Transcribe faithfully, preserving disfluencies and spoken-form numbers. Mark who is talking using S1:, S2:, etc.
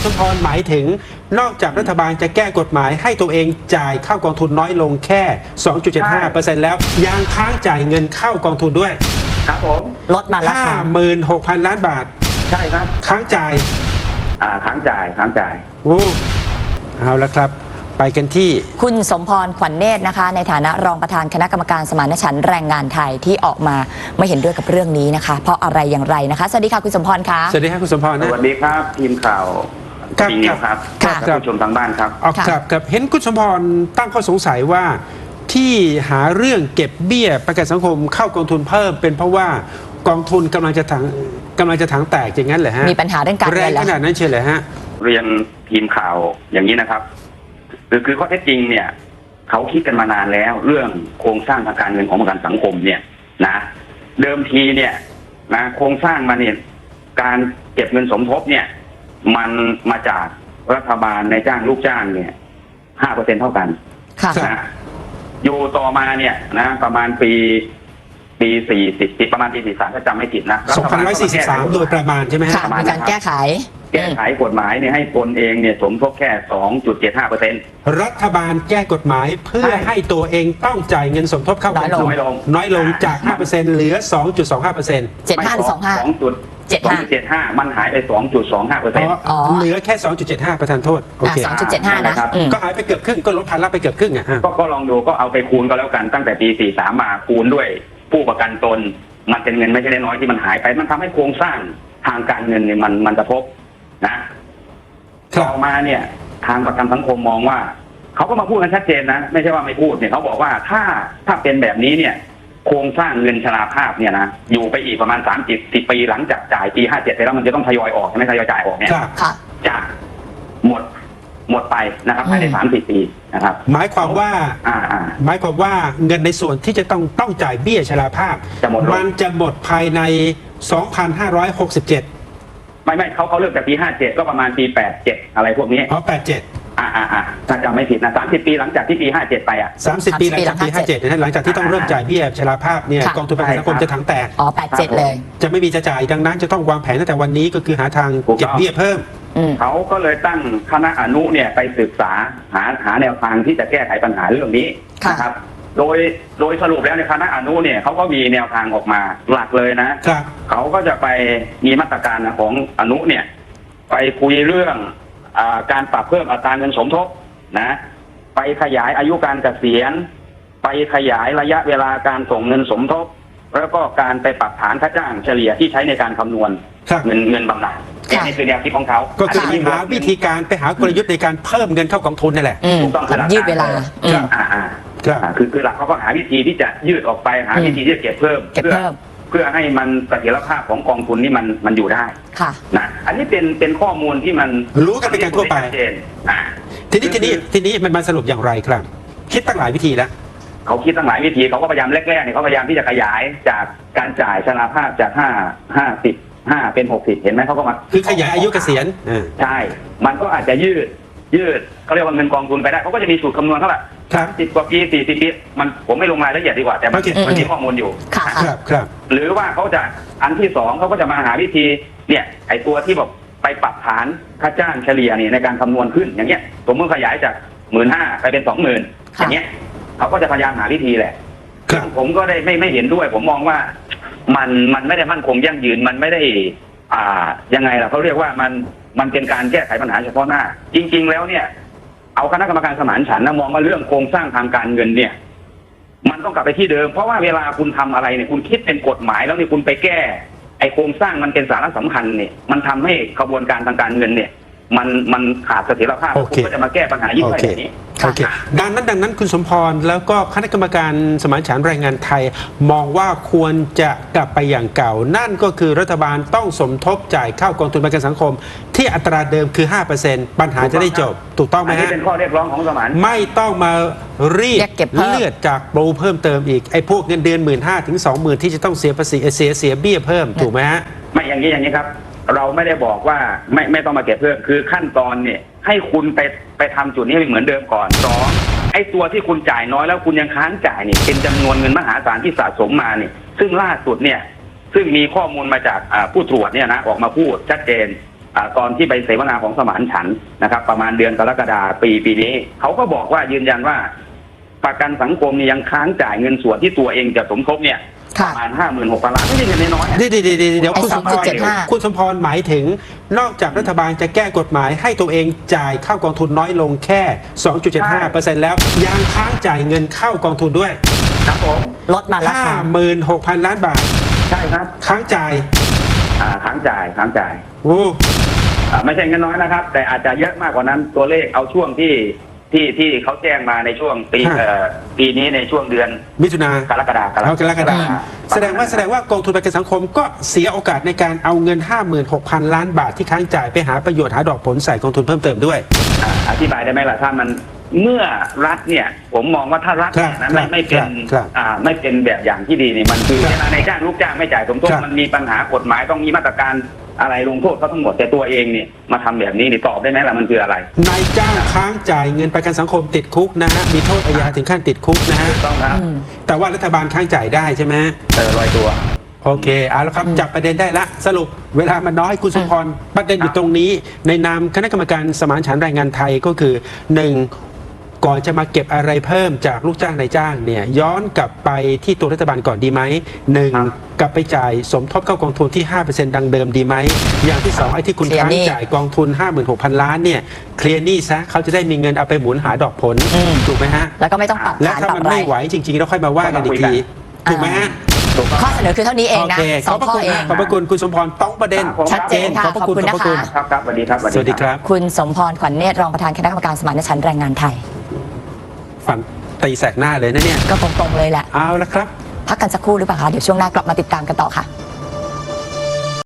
S1: สมพรหมายถึงนอกจากรัฐบาลจะแก้กฎหมายให้ตัวเองจ่ายเข้ากองทุนน้อยลงแค่ สองจุดเจ็ดห้าเปอร์เซ็นต์ แล้วยังค้างจ่ายเงินเข้ากองทุนด้วย
S2: ครับผม
S3: ลดมาละ
S1: ห้าหมื่นหกพัน ล้านบาท
S2: ใช่ครับ
S1: ค้างจ่าย
S2: อ่าค้างจ่ายค้างจ่าย
S1: โอ้เอาละครับไปกันที่
S3: คุณสมพรขวัญเนตรนะคะในฐานะรองประธานคณะกรรมการสมานฉันท์แรงงานไทยที่ออกมาไม่เห็นด้วยกับเรื่องนี้นะคะเพราะอะไรอย่างไรนะคะสวัสดีค่ะคุณสมพรคะ
S1: สวัสดีครับคุณสมพรนะ
S2: สวัสดีครับทีมข่าว
S1: ครับ
S2: ครับท่านผู้ชมทางบ้านครับ
S1: ครับครับเห็นคุณสมพรตั้งข้อสงสัยว่าที่หาเรื่องเก็บเบี้ยประกันสังคมเข้ากองทุนเพิ่มเป็นเพราะว่ากองทุนกำลังจะถังกำลังจะถังแตกอย่างนั้นเหรอฮะ
S3: มีปัญหาเรื่องการเงิน
S1: แรงขนาดนั้นเชียวเหรอฮะ
S2: เรียนทีมข่าวอย่างนี้นะครับคือคือข้อเท็จจริงเนี่ยเขาคิดกันมานานแล้วเรื่องโครงสร้างทางการเงินของประกันสังคมเนี่ยนะเดิมทีเนี่ยนะโครงสร้างมาเนี่ยการเก็บเงินสมทบเนี่ยมันมาจากรัฐบาลในจ้างลูกจ้างเนี่ยห้าเปอร์เซ็นต์เท่ากันนะอยู่ต่อมาเนี่ยนะประมาณปีปีสี่สิบปีประมาณปีสี่สามถ้าจำไม่ผิดนะ
S1: สองพันร้อยสี่สิบสามโดยประมาณใช่ไหมฮะ
S3: มีการแก้ไข
S2: แก้ไขกฎหมายเนี่ยให้ตนเองเนี่ยสมทบแค่ สองจุดเจ็ดห้าเปอร์เซ็นต์
S1: รัฐบาลแก้กฎหมายเพื่อให้ตัวเองต้องจ่ายเงินสมทบเข้ากองทุนน้อยลงจาก ห้าเปอร์เซ็นต์ เหลือ สองจุดสองห้าเปอร์เซ็นต์
S3: เจ็ดห้า สองห้า
S2: สองจุดเจ็ดห้ามันหายไป สองจุดสองห้าเปอร์เซ็นต์
S1: อ๋อเหลือแค่ สองจุดเจ็ดห้า ประทานโทษโอเค
S3: สองจุดเจ็ดห้า นะ
S1: ก็หายไปเกือบครึ่งก็ลดภาระไปเกือบครึ่งอ่ะ
S2: ก็ลองดูก็เอาไปคูณก็แล้วกันตั้งแต่ปีสี่สามมาคูณด้วยผู้ประกันตนมันเป็นเงินไม่ใช่น้อยที่มันหายไปมันทำให้โครงสร้างทางการเงินเนี่ยมันมันกระทบนะต่อมาเนี่ยทางประกันสังคมมองว่าเขาก็มาพูดกันชัดเจนนะไม่ใช่ว่าไม่พูดเนี่ยเขาบอกว่าถ้าถ้าเป็นแบบนี้เนี่ยโครงสร้างเงินชราภาพเนี่ยนะอยู่ไปอีกประมาณสามสิบ สิบปีหลังจากจ่ายปีห้าเจ็ดไปแล้วมันจะต้องทยอยออกใช่ไหมทยอยจ่ายออกเนี่ยจะหมดหมดไปนะครับภายในสามสิบปีนะครับ
S1: หมายความว่าหมายความว่าเงินในส่วนที่จะต้องต้องจ่ายเบี้ยชราภาพมันจะหมดภายใน สองพันห้าร้อยหกสิบเจ็ด
S2: ไม่ไม่เขาเขาเริ่มจากปีห้าเจ็ดก็ประมาณปีแปดเจ็ดอะไรพวกนี้
S1: อ๋อแปดเจ็ด
S2: อ่าอ่าอ่าถ้าจำไม่ผิดนะสามสิบปีหลังจากที่ปีห้าเจ็ดไปอ่ะ
S1: สามสิบปีหลังจากปีห้าเจ็ดนะหลังจากที่ต้องเริ่มจ่ายเบี้ยชราภาพเนี่ยกองทุนประกันสังคมจะถังแตก
S3: อ๋อแปดเจ็ดเลย
S1: จะไม่มีจะจ่ายดังนั้นจะต้องวางแผนตั้งแต่วันนี้ก็คือหาทางเก็บเบี้ยเพิ่ม
S2: เขาก็เลยตั้งคณะอนุเนี่ยไปศึกษาหาหาแนวทางที่จะแก้ไขปัญหาเรื่องนี้นะครับโดยโดยสรุปแล้วในคณะอนุเนี่ยเขาก็มีแนวทางออกมาหลักเลยนะเขาก็จะไปมีมาตรการของอนุเนี่ยไปคุยเรื่องอ่าการปรับเพิ่มอัตราเงินสมทบนะไปขยายอายุการเกษียณไปขยายระยะเวลาการส่งเงินสมทบแล้วก็การไปปรับฐานค่าจ้างเฉลี่ยที่ใช้ในการคำนวณเงินเงินบำนาญนี่คือแนวคิดของเขา
S1: ก็คือหาวิธีการไปหากลยุทธ์ในการเพิ่มเงินเข้ากองทุนนั่นแหละ
S2: ถูกต้องครับ
S3: ยืดเวลา
S2: อ่าอ่าคือคือหลักเขาก็หาวิธีที่จะยืดออกไปหาวิธีที่จะเก็บเพิ่มเพื่อเพื่อให้มันเสถียรภาพของกองทุนนี่มันมันอยู่ได้
S3: ค่ะ
S2: นะอันนี้เป็นเป็นข้อมูลที่มัน
S1: รู้กันเป็นการทั่วไปทีนี้ทีนี้ทีนี้มันมาสรุปอย่างไรครับคิดตั้งหลายวิธีแล้ว
S2: เขาคิดตั้งหลายวิธีเขาก็พยายามแรกๆเนี่ยเขาพยายามที่จะขยายจากการจ่ายชราภาพจากห้าห้าสิบห้าเป็นหกสิบเห็นไหมเขาก็มา
S1: คือขยายอายุเกษียณ
S2: ใช่มันก็อาจจะยืดยืดเขาเรียกว่าเงินกองทุนไปได้เขาก็จะมีสูตรคำนวณเท่าไหร่สามสิบกว่าปีสี่สิบปีมันผมไม่ลงรายละเอียดดีกว่าแต่มันมันมีข้อมูลอยู่
S1: ครับครับ
S2: หรือว่าเขาจะอันที่สองเขาก็จะมาหาวิธีเนี่ยไอตัวที่บอกไปปรับฐานค่าจ้างเฉลี่ยนี่ในการคำนวณขึ้นอย่างเงี้ยสมมติขยายจากหมื่นห้าไปเป็นสองหมื่นอย่างเงี้ยเขาก็จะพยายามหาวิธีแหละผมก็ได้ไม่ไม่เห็นด้วยผมมองว่ามันมันไม่ได้มั่นคงยั่งยืนมันไม่ได้อ่ายังไงล่ะเขาเรียกว่ามันมันเป็นการแก้ไขปัญหาเฉพาะหน้าจริงๆแล้วเนี่ยเอาคณะกรรมการสมานฉันท์นะมองว่าเรื่องโครงสร้างทางการเงินเนี่ยมันต้องกลับไปที่เดิมเพราะว่าเวลาคุณทำอะไรเนี่ยคุณคิดเป็นกฎหมายแล้วเนี่ยคุณไปแก้ไอโครงสร้างมันเป็นสาระสำคัญเนี่ยมันทำให้กระบวนการทางการเงินเนี่ยมันมันขาดเสถียรภาพคุณก็จะมาแก้ปัญหายิ่งไปแบบนี้
S1: โอเคดังนั้นดังนั้นคุณสมพรแล้วก็คณะกรรมการสมานฉันท์แรงงานไทยมองว่าควรจะกลับไปอย่างเก่านั่นก็คือรัฐบาลต้องสมทบจ่ายเข้ากองทุนประกันสังคมที่อัตราเดิมคือ ห้าเปอร์เซ็นต์ ปัญหาจะได้จบถูกต้องไหมฮะอัน
S2: นี้เป็นข้อเรียกร้องของสมาน
S1: ไม่ต้องมารีดเลือดจากโปรเพิ่มเติมอีกไอ้พวกเงินเดือน หนึ่งหมื่นห้าพัน ถึง สองหมื่น ที่จะต้องเสียภาษีเสียเสียเบี้ยเพิ่มถูกไหมฮะ
S2: ไม่อย่างนี้อย่างนี้ครับเราไม่ได้บอกว่าไม่ไม่ต้องมาเก็บเพิ่มคือขั้นตอนเนี่ยให้คุณไปไปทำจุดนี้เหมือนเดิมก่อนสองไอ้ตัวที่คุณจ่ายน้อยแล้วคุณยังค้างจ่ายเนี่ยเป็นจำนวนเงินมหาศาลที่สะสมมาเนี่ยซึ่งล่าสุดเนี่ยซึ่งมีข้อมูลมาจากผู้ตรวจเนี่ยนะออกมาพูดชัดเจนอ่าตอนที่ไปเสวนาของสมานฉันท์นะครับ ประมาณเดือนกรกฎาคมปีปีนี้เขาก็บอกว่ายืนยันว่าประกันสังคมเนี่ยยังค้างจ่ายเงินส่วนที่ตัวเองจะสมทบเนี่ยป
S3: ค่ะ
S2: ระมาณห้าหมื่นหกพันล้านไม่ใช่เงินน้อยๆนะ
S1: เดี๋ยวเดี๋ยวเดี๋ยวเดี๋ยว
S3: ไอ้
S1: คุณสมพร
S3: สองจุดเจ็ดห้า
S1: คุณสมพรหมายถึงนอกจากรัฐบาลจะแก้กฎหมายให้ตัวเองจ่ายเข้ากองทุนน้อยลงแค่ สองจุดเจ็ดห้าเปอร์เซ็นต์ แล้วยังค้างจ่ายเงินเข้ากองทุนด้วย
S2: ครับผม
S3: ลดมาราคา
S1: ห้าหมื่นหกพันล้านบาท
S2: ใช่ครับ
S1: ค้างจ่าย
S2: อ่าค้างจ่ายค้างจ่าย
S1: โอ้
S2: อ่าไม่ใช่เงินน้อยนะครับ แต่อาจจะเยอะมากกว่านั้นตัวเลขเอาช่วงที่ที่ที่เขาแจ้งมาในช่วงปีเอ่อปีนี้ในช่วงเดือน
S1: มิถุนาก
S2: รกฎาคม
S1: เอากรกฎาคมแสดงว่าแสดงว่ากองทุนประกันสังคมก็เสียโอกาสในการเอาเงิน ห้าหมื่นหกพันล้านบาทที่ค้างจ่ายไปหาประโยชน์หาดอกผลใส่กองทุนเพิ่มเติมด้วย
S2: อ่าอธิบายได้ไหมล่ะถ้ามันเมื่อรัฐเนี่ย ผมมองว่าถ้ารัฐเนี่ยนะไม่ไม่เป็น
S1: ครับ
S2: อ่าไม่เป็นแบบอย่างที่ดีนี่มันคือ
S1: ครับ
S2: เวลาในจ้างลูกจ้างไม่จ่ายสมทบ
S1: ครับ
S2: มันมีปัญหากฎหมายต้องมีมาตรการอะไรลงโทษเขาทั้งหมดแต่ตัวเองเนี่ยมาทำแบบนี้นี่ตอบได้ไหมล่ะมันคืออะไร
S1: นายจ้างค้างจ่ายเงินประกันสังคมติดคุกนะฮะมีโทษอาญาถึงขั้นติดคุกนะฮะ
S2: ถูกต้องครับ
S3: อืม
S1: แต่ว่ารัฐบาลค้างจ่ายได้ใช่ไหม
S2: เออลอยตัว
S1: โอเคเอาละครับ
S3: อืม
S1: จับประเด็นได้ละสรุปเวลามันน้อยคุณสมพรประเด็นอยู่ตรงนี้ ในนามคณะกรรมการสมานฉันท์แรงงานไทยก็คือหนึ่งก่อนจะมาเก็บอะไรเพิ่มจากลูกจ้างนายจ้างเนี่ยย้อนกลับไปที่ตัวรัฐบาลก่อนดีไหมหนึ่ง
S2: ครับ
S1: กลับไปจ่ายสมทบเข้ากองทุนที่ ห้าเปอร์เซ็นต์ ดังเดิมดีไหมอย่างที่สองไอ้ที่คุณ
S3: เคลียร์
S1: ค้าง
S3: หนี้
S1: จ่ายกองทุน ห้าหมื่นหกพัน ล้านเนี่ยเคลียร์หนี้ซะเขาจะได้มีเงินเอาไปหมุนหาดอกผล
S3: อืม
S1: ถูกไหมฮะ
S3: แล้วก็ไม่ต้องปรับ
S1: และ
S3: ฐาน
S1: ถ้า
S3: ปรับ
S1: มัน
S3: อะไร
S1: ไม่ไหวจริงๆเราค่อยมาว่ากันอีกทีถูกไหมฮะ
S2: ถูกต้อง
S3: ข้อเสนอคือเท่านี้เอง
S1: โอ
S3: นะ
S1: เค
S3: ส
S1: ข
S3: อ
S1: อง บพระ
S3: ข้อ
S1: คุณ
S3: เอง
S1: ขอบพระคุณคุณสมพรต้องประเด็น
S2: ครับ
S3: ชัดเจนค่ะ
S1: ขอบพระคุณ
S3: ขอบคุณ
S1: ขอบพระคุณ
S3: นะคะ
S2: ครับครับสวัสดีครับ
S1: สวัสดีครับ
S3: คุณสมพรขวัญเนตรรองประธานคณะกรรมการสมานฉันท์แรงงานไทย
S1: ฝันตีแสกหน้าเลยนะเนี่ย
S3: ก็ตรงๆเลยแหละ
S1: เอาละครับ
S3: พักกันสักครู่หรือเปล่าคะ เดี๋ยวช่วงหน้ากลับมาติดตามกันต่อค่ะ